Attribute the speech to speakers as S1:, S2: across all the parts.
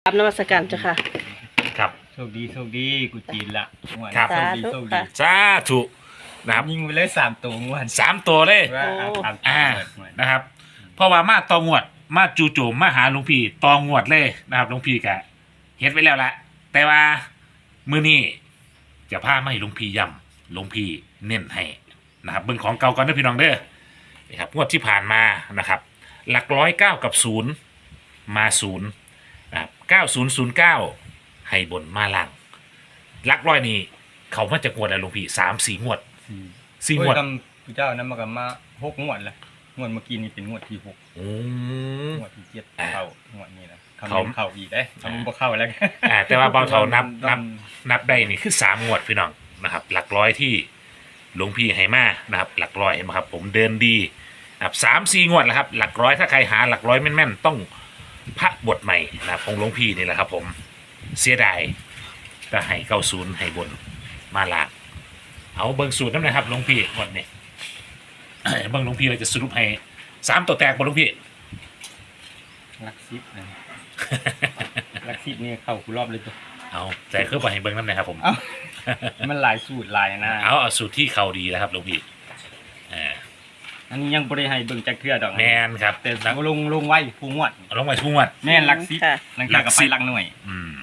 S1: นมัสการเจ้าค่ะ
S2: ครับ
S3: โชคดีโชคดีกูจีนละงวด
S2: ครับ
S3: โชคดี
S1: สาธุ
S3: โชคดี
S1: ค่ะ
S2: สาธุนะครับ
S3: ยิงไปเลย3 ตัวงวด
S2: 3 ตัวเลย
S3: ว่า
S1: โอ้
S3: ตาม
S2: อ่า
S3: งวด
S2: นะครับ เพราะว่ามาตองวดมาจู่โจมมาหาหลวงพี่ตองวดเลยนะครับหลวงพี่กะเฮ็ดไว้แล้วละแต่ว่ามื้อนี้จะพามาให้หลวงพี่ย้ำหลวงพี่เน้นให้นะครับเบิ่งของเก่าก่อนเด้อพี่น้องเด้อนะครับงวดที่ผ่านมานะครับ หลักร้อย9กับ0มา0นะครับ9009ให้บนมาล่างหลักร้อยนี่เขามาจากงวดแล้วหลวงพี่3-4 งวด 4 ง
S3: โอ้
S2: วย ด
S3: กำผู้เจ้านั้นมากับมา6 งวดแล้วงวดเมื่อกี้นี่เป็นงวดที่6
S2: อืม
S3: งวดที่7
S2: อ่า
S3: เข้างวดนี้นะคำ
S2: เขา
S3: เข้าอีกได้คำบ่เข้าแล้ว
S2: แต่ว่าเบาเท่านับ
S3: ต้อง
S2: นับได้นี่คือ3 งวดพี่น้องนะครับ หลักร้อยที่หลวงพี่ให้มานะครับ หลักร้อยเห็นไหมครับ ผมเดินดีนะครับ3-4 งวดแล้วครับ หลักร้อยถ้าใครหาหลักร้อยแม่นๆต้องพระบทใหม่นะครับของหลวงพี่นี่แหละครับ ผมเสียดายก็ให้90ให้บนมาลางเอาเบิ่งสูตรน้ำนะครับหลวงพี่งวดนี้ เบิ่งหลวงพี่เราจะสรุปให้3 ตัวแตกบนหลวงพี่
S3: ลักซิปนะลักซิปนี่เข้ากูรอบเลยตัว
S2: เอาแต่คือไปให้เบิ่งน้ำนะครับผม
S3: เอ้ามันหลายสูตรหลายนะ
S2: เอาสูตรที่เขาดีแล้วครับหลวงพี่
S3: อันนี้ยังบ่ได้ให้เบิ่งจักเทื่อดอก
S2: แมนครับ
S3: แต่
S2: นัก
S3: ลงไว้ผู้งวด
S2: เอาลงไปทุ่งวัด
S3: แม่นลักซิป
S1: ค่ะ
S3: ลังจากกับไปลักหน่วย
S2: อืม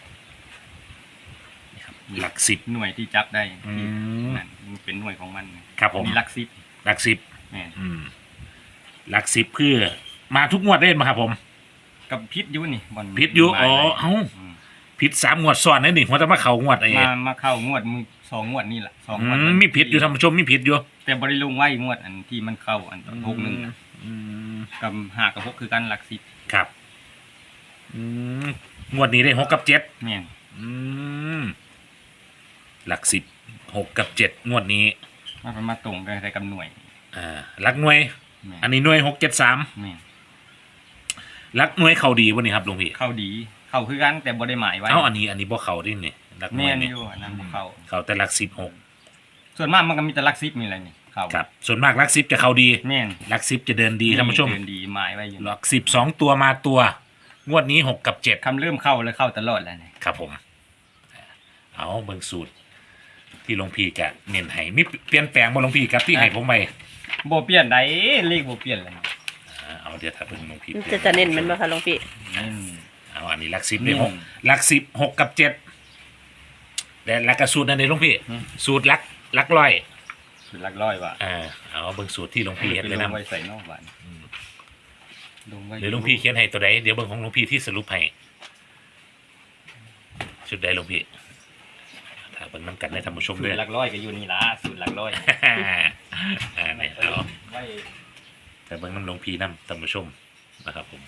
S2: นี่ครับหลัก10
S3: หน่วยที่จับได้
S2: อืม
S3: นั่นมันเป็นหน่วยของมัน
S2: ครับผม
S3: มีลักซิป
S2: หลัก10
S3: แม่น
S2: หลัก10คือมาทุกงวดได้มาครับผม
S3: กับพิษอยุนี่บอล
S2: พิษอยู่
S3: มา
S2: อ๋อ
S3: ได้
S2: เอ้า
S3: ม
S2: ผิด3 งวดซ้อนนั่นนี่หัวจะมาเข่างวดไอ้
S3: มาเข้างวดมือ2 งวดนี่แหละ2 งวด
S2: มีผิดอยู่ท่านผู้ชมมีผิดอยู่
S3: แต่บริลุงไว้งวดอันที่มันเข้าอันตอน61
S2: อืม
S3: กับ5กับ6คือกันหลักสิบ
S2: ครับอืมงวดนี้ได้6 กับ 7
S3: แม่น
S2: อืมหลัก10 6 กับ 7 งวดนี้
S3: มันมาตรงกันแต่กับหน่วย
S2: หลักหน่วย
S3: แม่น
S2: อันนี้หน่วย673
S3: แม่น
S2: หลักหน่วยเขาดีวันนี้ครับหลวงพี่
S3: เข้าดีเข้าคือกันแต่บ่ได้หมายไว้
S2: เอ้าอันนี้บ่เขาดินี่หลักหน่
S3: แม่
S2: วย
S3: น
S2: นี่
S3: อยู่อันนั้นบ่เข้า
S2: เขาแต่หลัก16
S3: ส่วนมากมันก็มีแต่หลักสิบนี่แหละนี่เข้า
S2: ครับส่วนมากหลัก10จะเขาดี
S3: แม่น
S2: หลัก10จะเดินดีท่านผู้ชม
S3: เดินดีหมายไว้อยู่
S2: หลัก10 2 ตัวมาตัว งวดนี้6 กับ 7
S3: คำเริ่มเข้าแล้วเข้าตลอดแล้วนี่
S2: ครับผม เอาเบิ่งสูตร ที่หลวงพี่กะเน้นให้มีเปลี่ยนแปลงบ่หลวงพี่ครับที่ให้ผมไป
S3: บ่เปลี่ยนใดเลขบ่เปลี่ยนเลย
S2: เอาเดี๋ยวถ้าเบิ่งหลวงพี่
S1: จะเน้นมันบ่คะหลวงพี่
S3: นี่
S2: เอาอันนี้หลัก10นี่
S3: อืม
S2: 6หลัก10 6 กับ 7แต่หลักกระสูตรนั่นเองหลวงพี่
S3: อืม
S2: สูตรหลักร้อย
S3: สุดหลักร้อยว่ะ
S2: เอาเบิ่งสูตรที่หลวงพี่เฮ็ดเลย
S3: ล
S2: นะ
S3: งไว้ใส่นอกบ้านลงไว้
S2: เดี๋ยวหลวงพี่เขียนให้ตัวใดเดี๋ยวเบิ่งของหลวงพี่ที่สรุปให้ชุดใดหลวงพี่ถ้าเบิ่งน้ำกันในท่านผู้ชม
S3: สู
S2: ด้
S3: ต
S2: วย
S3: รหลักร้อยก็อยู่นี่ล่ะสูตรหลักร้อย
S2: นี่เอา
S3: ไว้
S2: แต่เบิ่งน้ำหลวงพี่น้ำท่านผู้ชมนะครับผม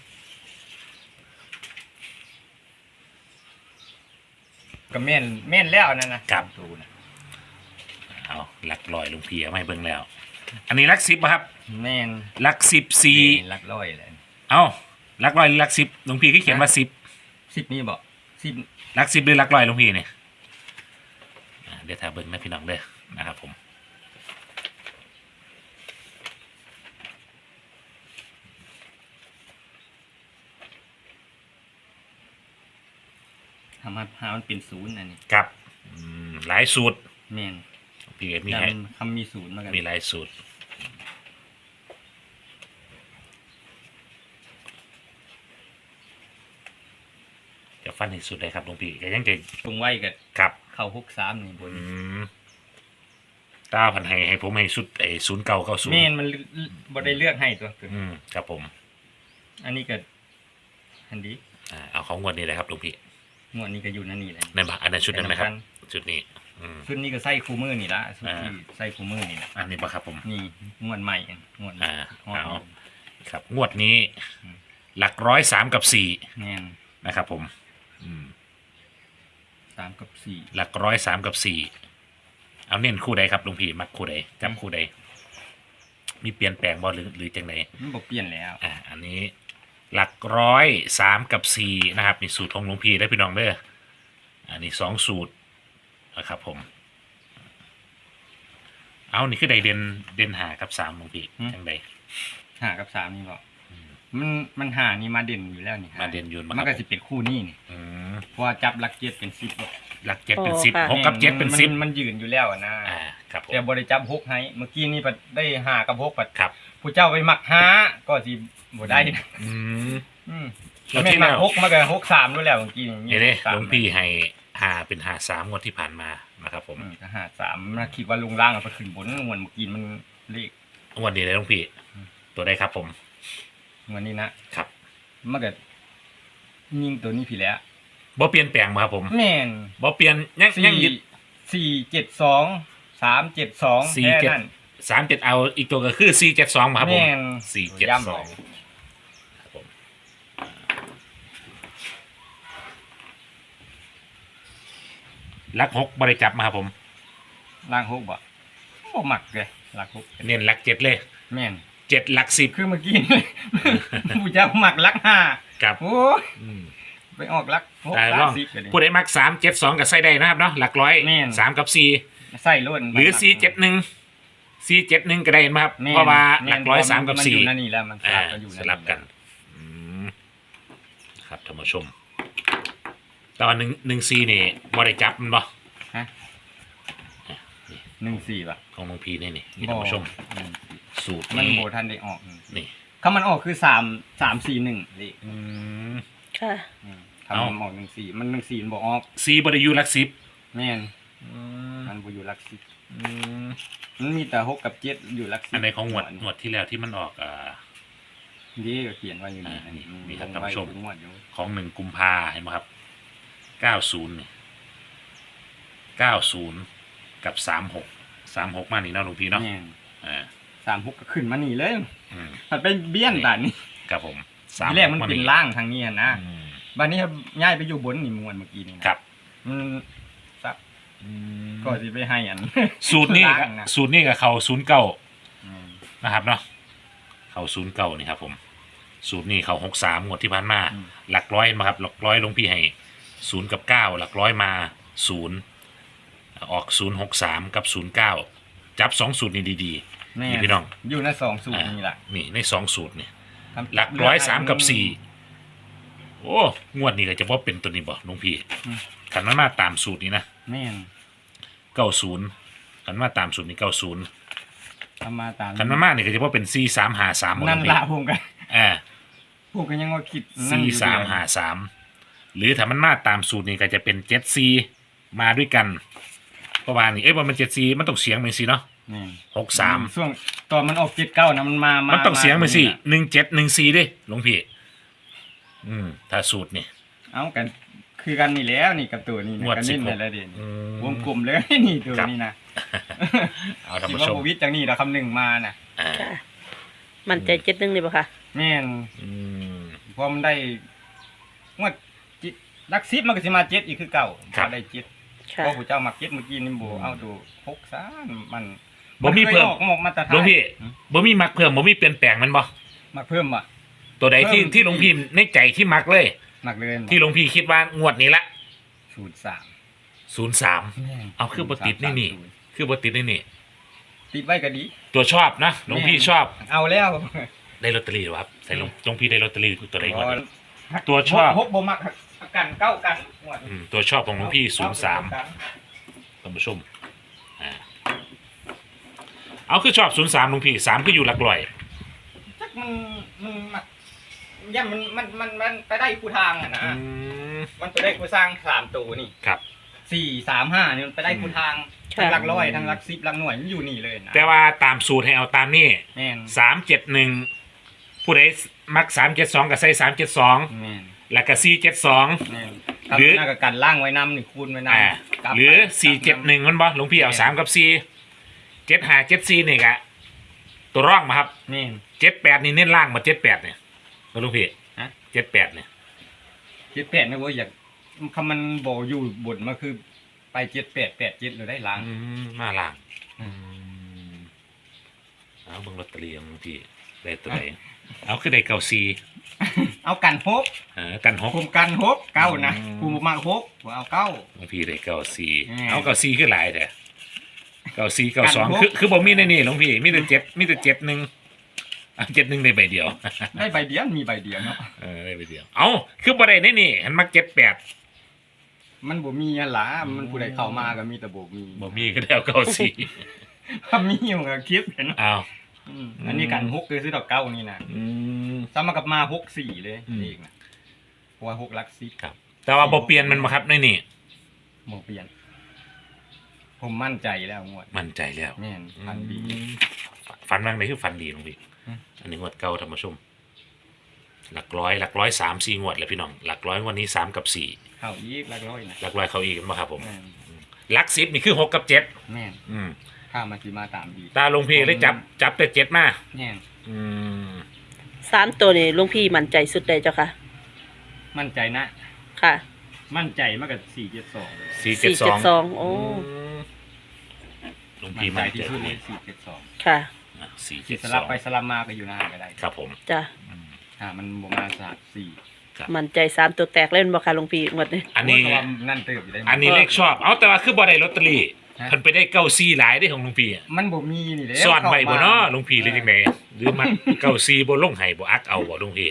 S3: ก็แม่นแล้วนั่นนะครับ สูตรนะ
S2: เอาหลักร้อยหลวงพี่เอามาให้เบิ่งแล้ว อันนี้หลัก10ป่ะครับ
S3: แม่น
S2: หลัก14
S3: หลักร้อยเลย
S2: เอาหลักร้อยหรือหลัก10หลวงพี่ก็เขียนว่า10
S3: 10นี่บ่10
S2: หลัก10หรือหลักร้อยหลวงพี่เนี่ยเดี๋ยวถ้าเบิ่งนะพี่น้องเด้อนะครับผม
S3: ทำให้มันเป็นศูนย์อันนี้
S2: ครับหลายสูตร
S3: แม่น
S2: พี่เอกมี
S3: ยั
S2: ให้
S3: นคำมีศูนย์มากัน
S2: มีหลายสูตรจะฟันให้สุดเลยครับหลวงพี่ก็ยังจะ
S3: ตรงไว้กับ
S2: ครับ
S3: เข้า63นี่บน
S2: ตาพันให้ผมให้สุด0990
S3: แม่นมันบ่ได้เลือกให้ตัว
S2: ครับผม
S3: อันนี้ก็อันดี
S2: เอาของงวดนี้เลยครับหลวงพี่
S3: งวดนี้ก็อยู่นั่นนี่แหละ
S2: นั่นปะอันนั้นชุดนั้นไหมครับชุดนี้
S3: ชุดนี้ก็ใส่คู่มือนี่ละชุดที่ใส่คู่มือนี่ละ
S2: อันนี้ปะครับผม
S3: นี่งวดใหม่งวด
S2: เอาครับงวดนี้ หลักร้อย3 กับ
S3: แม่น
S2: 4นะครับผม
S3: 3 กับ 4
S2: หลักร้อย3 กับ 4เอาเน้นคู่ใดครับหลวงพี่มักคู่ใดจำคู่ใดมีเปลี่ยนแปลงบ่หรือจังไหน
S3: มันบ่เปลี่ยนแล้ว
S2: อันนี้หลักร้อย3 กับ 4นะครับนี่สูตรของหลวงพี่ได้พี่น้องเด้ออันนี้2 สูตรนะครับผมเอานี่คือใดเด่น5 กับ 3หลวงพี่จังใด
S3: 5 กับ 3นี่บ่มันหานี่มาเด่นอยู่แล้วนี่
S2: มาเด่นอยู่
S3: มันก็สิเป็นคู่นี้นี่
S2: อืม
S3: เพราะว่าจับหลัก7เป็น10บ่
S2: หลัก7เป็น10 6กับ7เป็น
S3: มันยืนอยู่แล้วอะนะ
S2: 10ครับผม
S3: แต่บ่ได้จับ6ให้เมื่อกี้นี่ได้5กับ6ปัด
S2: ครับ
S3: ผู้เจ้าไปมัก5ก็สิบ่ได้นะ
S2: อืม
S3: อืม
S2: แล้ว
S3: แม่
S2: ที่
S3: นมั
S2: แล้
S3: ก
S2: ว
S3: 6มาก็6-3ด้วยแล้วเมื่อกี้
S2: เห็นเด้หลวงพี่ให้หาเป็นหา3งวดที่ผ่านมานะครับผม
S3: ก็5-3นะคิดว่าลงล่างเอาไปขึ้นบนงวดเมื่อกี้มันเลข
S2: งวดนี้เลยหลวงพี่ ตัวใดครับผม
S3: งวดนี้นะครับ มันก็ยิงตัวนี้พี่แล้ว
S2: บ่เปลี่ยนแปลงมาครับผม
S3: แม่น
S2: บ่เปลี่ยนยังยึด
S3: 4-7-2 3-7-2
S2: 4
S3: แค่
S2: 7
S3: นั้น
S2: 3 7เอาอีกตัวก็คือ472มาครับผม
S3: แม่น
S2: 472ครับผมหลัก6บ่ได้จับมาครับผม
S3: ล่าง6บ่มักเลยล่าง6
S2: เน้นหลัก7เลย
S3: แม่น
S2: 7หลัก10
S3: คือเมื่อกี้ ผู้เจ้ามักลัก5
S2: ครับ
S3: โอ้ย
S2: อืม
S3: ไปออกลัก6
S2: แต่ลอง
S3: 30กัน
S2: ผู้ใดมัก372ก็ใส่ได้นะครับเนาะหลักร้อย
S3: แม่น
S2: 3กับ4
S3: ใส่ล้น
S2: หรือ471ก็ได้ไหมครับ
S3: แม่น
S2: เพราะว่าห
S3: แม่
S2: ลั
S3: น
S2: กร้อย3กับ
S3: มันอยู่นั่นนี่แล้วมัน
S2: 4
S3: อยู่
S2: สลับกันอืมครับท่านผู้ชมตอน114นี่บ่ได้จับมันบ่
S3: ฮะ14ป่ะ
S2: ของน้องพีนี่นี่ท่านผู้ชม สูตร
S3: มัน
S2: นี้
S3: โบทันได้ออก
S2: นี่
S3: ถ้ามันออกคือ3-4-1นี่
S2: อืม
S1: ค่ะ
S3: ถ้ามันออก14มัน14มันบ่ออก
S2: 4บ่ได้อยู่หลัก10
S3: แม่น
S2: อืม
S3: มันบ่อยู่หลัก
S2: อืม
S3: 10มันมีแต่6กับ7อยู่หลัก10
S2: อันไหนของงวดที่แล้วที่มันออก
S3: นี่ก็เขียนไว้อยู่นี่
S2: นี่ครับท่านผู้ชม
S3: งวดอยู่
S2: ของ1กุมภาเห็นไหมครับ90นี่90กับ36มานี่เนาะหลวงพี่เนาะ
S3: แม่น
S2: อ่า
S3: 36ก็ขึ้นมานี่เลย
S2: อืม
S3: มันเป็นเบี้ยนด่านนี้
S2: ครับผม
S3: ทีแรกมันเป็นล่างทางนี้นะ
S2: อืม
S3: บัดนี้ย้ายไปอยู่บนนี่มวนเมื่อกี้นี่นะครับ มันซับ
S2: อืม
S3: ก็สิไปให้อัน
S2: สูตรนี้
S3: ล่างนะ
S2: สูตรนี้กับเขา09
S3: อืม
S2: นะครับเนาะเขา09นี่ครับผม สูตรนี้เขา63งวดที่ผ่านมา หลักร้อยมาครับหลักร้อยหลวงพี่ให้0กับ9หลักร้อยมา0ออก063กับ09จับ2สูตรนี้ดี
S3: แม่
S2: นี่พี่น้อง
S3: อยู่ใน2สูตรนี่ล่ะ
S2: นี่ใน2สูตรนี่หลักร้อย3กับ4โอ้งวดนี้ก็จะว่าเป็นตัวนี้บ่หลวงพี่ขันมันมาตามสูตรนี้นะ
S3: แม่น
S2: 90ขันมาตามสูตรนี้90
S3: ทำมาตาม
S2: ขันมันมานี่ก็จะว่าเป็น4353บ่หล
S3: นั่
S2: วน งพี่
S3: ละผมกัน
S2: อ่า
S3: ผมก็ยังว่าคิดนั่นอยู่เดียว
S2: 4353หรือถ้ามันมาตามสูตรนี้ก็จะเป็น74มาด้วยกันเพราะว่านี่ว่ามัน74มันต้องเสียงเป็นสิเนาะ
S3: นี่
S2: 63
S3: ช่วงตอนมันออก79นะมันมา
S2: มันต้องเสียงไปสิ
S3: มา
S2: 1714ดิหลวงพี่ถ้าสูตรนี่
S3: เอากันคือกันนี่แล้วนี่กับตัวนี้
S2: งวด
S3: กันนี่
S2: 16
S3: ในระเด่น
S2: อืม
S3: วงกลมเลย นี่ตัว
S2: ครับ
S3: นี้นะ
S2: เอาท่าน
S3: คิด
S2: ผู้
S3: ว่า
S2: ชม
S3: โควิดจังนี่แล้วคำหนึ่งมาน่ะ
S2: อ่า
S1: ค่ะ มันใจ71นี่บ่ค่ะ
S3: แม่น
S2: อืม
S3: พอมันได้งวดจิตลักซิบมันก็สิมา7อีกคือเก่า
S2: ครับ
S3: พอได้7
S1: ค่ะ
S3: พอผู้เจ้ามัก7เมื่อกี้นี่บ่เอาดู6ซะมัน
S2: บ่มีเพิ่ม
S3: นคยออกมาตรฐาน
S2: หลวงพี่บ่มีมักเพิ่มบ่มีเปลี่ยนแปลงมันบ่
S3: มาเพิ่มอ่ะ
S2: ตัวใดที่
S3: เพิ่ม
S2: ที่หลวงพี่ในใจที่มักเลย
S3: มักเลย
S2: ที่หลวงพี่คิดว่างวดนี้ละ
S3: 03
S2: 03เอาคือบ่ติดนี่ คือบ่ติดนี่
S3: ติดไว้ก็ดี
S2: ตัวชอบนะหลวงพี่ชอบ
S3: เอาแล้ว
S2: ได้ลอตเตอรี่หรือครับใส่หลวงพี่ได้ลอตเตอรี่ตัวใดก่อน
S3: อ๋อ
S2: ตัวชอบ
S3: หกบ่มักกันเก้ากันงวด
S2: ตัวชอบของหลวงพี่
S3: เก้ากัน
S2: 03ท่านผู้ชมเอาคือชอบ03หลวงพี่3คืออยู่หลักร้อย
S3: จักมันมักย่ามันไปได้คู่ทางอ่ะนะ มันไปได้คู่สร้าง3ตัวนี่
S2: ครับ
S3: 4-3-5นี่มันไปได้คู่ทาง
S1: ค่ะ
S3: ทั้งหลักร้อยทั้งหลัก10หลักหน่วยมันอยู่นี่เลยนะ
S2: แต่ว่าตามสูตรให้เอาตามนี่
S3: แม่น
S2: 371ผู้ใดมัก372ก็ใส่372
S3: แม่น
S2: แล้วก็472
S3: แม่น
S2: หรือ
S3: หน้ากับการล่างไว้นำนี่คูณไว้นำกลับ
S2: หรือ
S3: ไป
S2: 471มันบ่หลวงพี่เอา3กับ4 75 74นี่ก็ตัวร่องมาครับ
S3: แม่น
S2: 78นี่เน้นล่างมา78เนี่ยหลวงพี่
S3: ฮะ
S2: 78เนี่ย
S3: 78นะเว้ยอยากคำมันบ่อยู่บนมาคือไป7887เลยได้ล้าง
S2: มาล่างเอาเบิ่งลอตเตอรี่ของหลวงพี่ได้ตัวไหนเอาคือได้เก้าซี
S3: เอากันฮก
S2: กันหก
S3: คุมกันฮกเก้านะ
S2: อืม
S3: คุมมาฮกเอาเก้า
S2: หลวงพี่ได้เก้าซี
S3: อืม
S2: เอาเก้าซีคือหลายแต่เก้าซีเก้าสอง
S3: กันหก
S2: คือบ่มีในนี่หลวงพี่มีแต่7มีแต่71 71ได้ใบเดียว
S3: ได้ใบเดียวมีใบเดียวเนาะ
S2: ได้ใบเดียวเอาคือบ่ได้แน่นี่หันมา78
S3: มันบ่มีอะล่ะมันผู้ใดเข้ามาก็มีแต่บ่มี
S2: บ่มีก็ได้เอา94
S3: ถ้ามีมันก็คิดเห็น
S2: อ้าว
S3: อันนี้กัน6คือซื้อดอกเก้านี่นะ ซ้ำมากับมา64เลยนี่อีกนะเพราะว่า6หลัก10
S2: ครับ แต่ว่าบ่เปลี่ยนมันบ่ครับในนี่
S3: บ่เปลี่ยน ผมมั่นใจแล้วงวด
S2: มั่นใจแล้ว
S3: แม่นพันดี
S2: ฝันบ้างไหนคือฝันดีหลวงพี่
S3: อืม
S2: อันนี้งวดเก่าท่านผู้ชมหลักร้อย3-4งวดเลยพี่น้องหลักร้อยงวันนี้3กับ4
S3: เข้าอีกหลักร้อยนะ
S2: หลักร้อยเขาอีกมั้งครับผม
S3: แม่น
S2: หลัก10นี่คือ6กับ7
S3: แม่น
S2: อืม
S3: ถ้ามันสิมาตามดี
S2: ตาหลวงพี่เลยจับแต่7มา
S3: แม่น
S2: อืม
S1: 3ตัวนี่หลวงพี่มั่นใจสุดใดเจ้าค่ะ
S3: มั่นใจนะ
S1: ค่ะ
S3: มั่นใจมากกับ472เลย
S1: 472โอ้
S2: หลวง
S3: มั่
S2: พี่
S3: นใจ
S2: มั่น
S3: ที่
S2: ใจ
S3: สุดเลย472
S1: ค่ะ
S3: สิสลับไปส
S2: 472
S3: ลับมาก็อยู่หน้าก็ได้
S2: ครับผม
S1: จ้ะ
S3: มันบ่มา3
S1: มั่นใจ3ตัวแตกเล่นบ่ค่ะหลวงพี่งวดนี้
S2: อันนี้
S3: เพราะว่านั่นเติบอยู่ได้
S2: อันนี้เลขชอบเอาแต่ว่าคือบ่ได้ลอตเตอรี่
S3: ฮะ
S2: เพิ่นไปได้94หลายได้ของหลวงพี่อะ
S3: มันบ่มีนี่แหละ
S2: ซ่อนไว้บ่เนาะหลวงพี่หรือจังไดหรือมัน94บ่ลงให้บ่อักเอาบ่หลวงพี่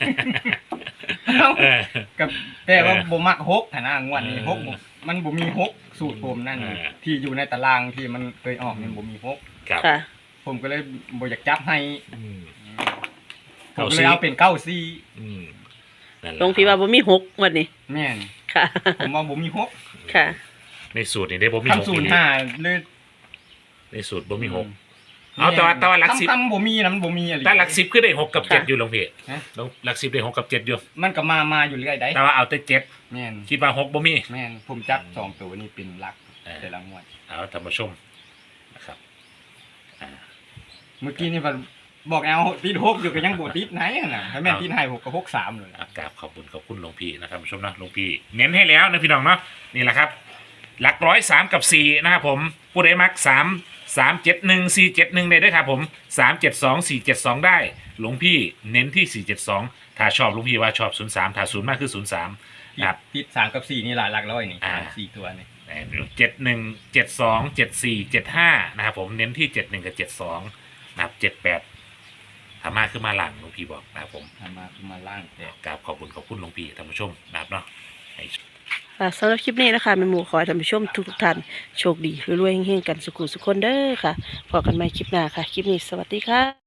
S2: เออ
S3: กับแต่ว่าบ่มัก6หันนะงวดนี้
S2: เออ
S3: 6มันบ่มี6สูตรผมนั่น
S2: เออ
S3: ที่อยู่ในตารางที่มันเคยออกนี่บ่มี6
S2: ครับ
S1: ค่ะ
S3: ผมก็เลยบ่อยากจับให้
S2: อืม
S3: ผมก็เลยเอาเป็น94
S2: อืมนั่นแหละ
S1: หลวงพี่ว่าบ่มี6งวดนี้
S3: แม่น
S1: ค่ะ
S3: ผมว่าบ่มีหก
S1: ค่ะ
S2: ในสูตรนี่ได้บ่มีหก
S3: คำศูน
S2: อี
S3: ย์
S2: หลี
S3: 5เลย
S2: ในสูตรบ่มีหก เอาแต่ว่าหลักสิบ
S3: คำบ่มีนะมันบ่มีอะไร
S2: แต่หลัก10คือได้6กับ
S1: ค่ะ
S2: 7อยู่หลวงพี่
S3: ฮะ
S2: หลัก10ได้6กับ7อยู่
S3: มันก็มาอยู่เรื่อยได้
S2: แต่ว่าเอาแต่7
S3: แม่น
S2: คิดว่า6บ่มี
S3: แม่นผมจับ2ตัวนี่เป็นหลัก
S2: เออ
S3: แต่ละงวด
S2: เอาท่านผู้ชมนะครับอ่า
S3: เมื่อกี้นี่มันบอกเอาติด6อยู่ก็ยังบ่ติดไหนอะน่ะถ้าแม่นติดให้6ก็63เลย
S2: กราบขอบคุณหลวงพี่นะครับท่านผู้ชมนะหลวงพี่เน้นให้แล้วนะพี่น้องเนาะนี่แหละครับ หลักร้อย3กับ4นะครับผมผู้ใดมัก371 471ได้ด้วยครับผม372 472ได้หลวงพี่เน้นที่472ถ้าชอบหลวงพี่ว่าชอบ03ถ้า0มากคือ03นะครับ
S3: ติด3กับ4นี่หลักร้อยนี่
S2: อ่า
S3: 4ตัวนี่
S2: 71 72 74 75นะครับผมเน้นที่71กับ72นะครับ78ถ้ามากขึ้นมาหลังหลวงพี่บอกนะครับผม
S3: ทำมาล่างแต่
S2: กราบขอบคุณหลวงพี่ท่านผู้ชมนะครับเนาะ
S1: ค่ะสำหรับคลิปนี้นะคะแม่หมูขอให้ท่านผู้ชมทุกท่านโชคดีรวยๆเฮงๆกันสุขุสุขคนเด้อค่ะพบกันใหม่คลิปหน้าค่ะ คลิปนี้สวัสดีค่ะ